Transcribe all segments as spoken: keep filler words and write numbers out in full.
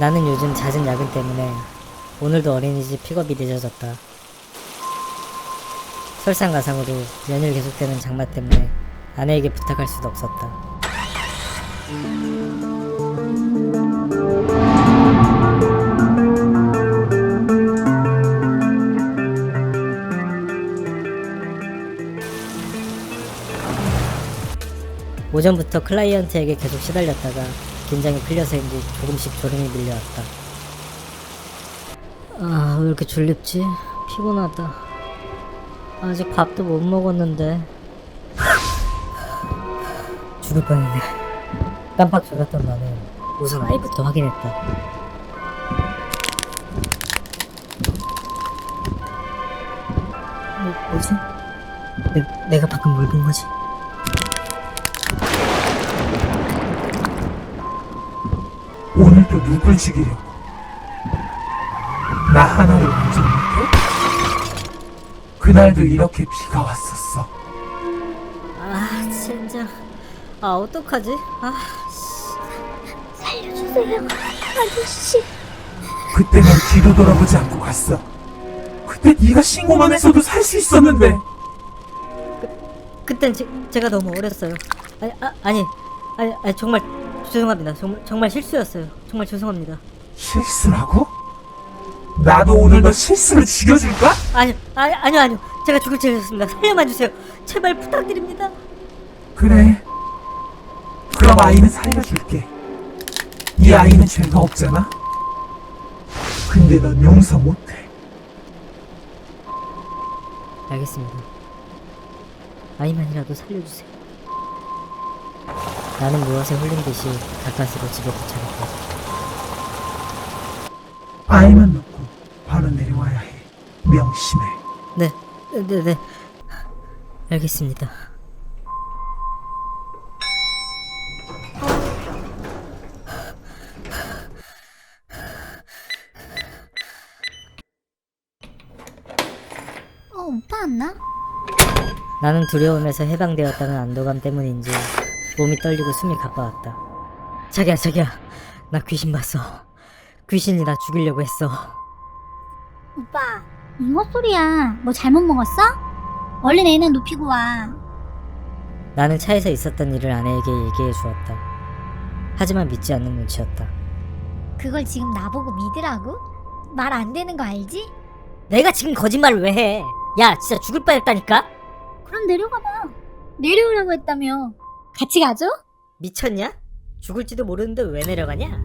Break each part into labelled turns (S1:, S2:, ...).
S1: 나는 요즘 잦은 야근 때문에 오늘도 어린이집 픽업이 늦어졌다. 설상가상으로 연일 계속되는 장마 때문에 아내에게 부탁할 수도 없었다. 오전부터 클라이언트에게 계속 시달렸다가 긴장이 풀려서인지 조금씩 졸음이 밀려왔다. 아, 왜 이렇게 졸립지? 피곤하다. 아직 밥도 못 먹었는데. 죽을 뻔했네. 깜빡 졸았던 나는 우선 아이부터 확인했다. 뭐, 뭐지? 내, 내가 방금 뭘 본 거지?
S2: 오늘도 누굴 죽이려고? 나 하나를 먼저 못해? 그날도 이렇게 비가 왔었어.
S1: 아, 진짜. 아, 어떡하지? 아,
S3: 살려주세요, 아저씨.
S2: 그때 난 뒤도 돌아보지 않고 갔어. 그때 네가 신고만 했어도 살 수 있었는데.
S1: 그땐 제, 제가 너무 어렸어요. 아니, 아, 아니, 아니, 아니, 정말 죄송합니다. 정말, 정말 실수였어요. 정말 죄송합니다.
S2: 실수라고? 나도 오늘 너 실수를 죽여줄까?
S1: 아니, 아니, 아니요, 아니요. 제가 죽을 죄였습니다. 살려만 주세요. 제발 부탁드립니다.
S2: 그래. 그럼 아이는 살려줄게. 이 아이는 죄가 없잖아. 근데 넌 용서 못해.
S1: 알겠습니다. 아이만이라도 살려주세요. 나는 무엇에 홀린 듯이 가까스로 집에 도착했다.
S2: 아이만 놓고 바로 내려와야 해. 명심해.
S1: 네, 네, 네. 알겠습니다.
S3: 어, 오빠 왔나?
S1: 나는 두려움에서 해방되었다는 안도감 때문인지 몸이 떨리고 숨이 가빠왔다. 자기야, 자기야, 나 귀신 봤어. 귀신이 나 죽이려고 했어.
S3: 오빠, 이 헛소리야. 뭐 잘못 먹었어? 얼른 애는 눕히고 와.
S1: 나는 차에서 있었던 일을 아내에게 얘기해 주었다. 하지만 믿지 않는 눈치였다.
S3: 그걸 지금 나보고 믿으라고? 말 안 되는 거 알지?
S1: 내가 지금 거짓말을 왜 해? 야, 진짜 죽을 뻔했다니까?
S3: 그럼 내려가봐. 내려오라고 했다며. 같이 가죠?
S1: 미쳤냐? 죽을지도 모르는데 왜 내려가냐?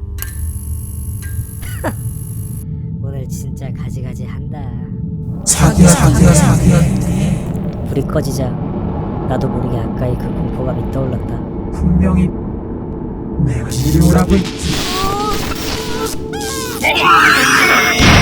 S1: 오늘 진짜 가지가지 한다.
S2: 자기야, 자기야, 자기야.
S1: 불이 꺼지자 나도 모르게 아까의 그 공포감이 떠올랐다.
S2: 분명히 내가 내려오라고 했지.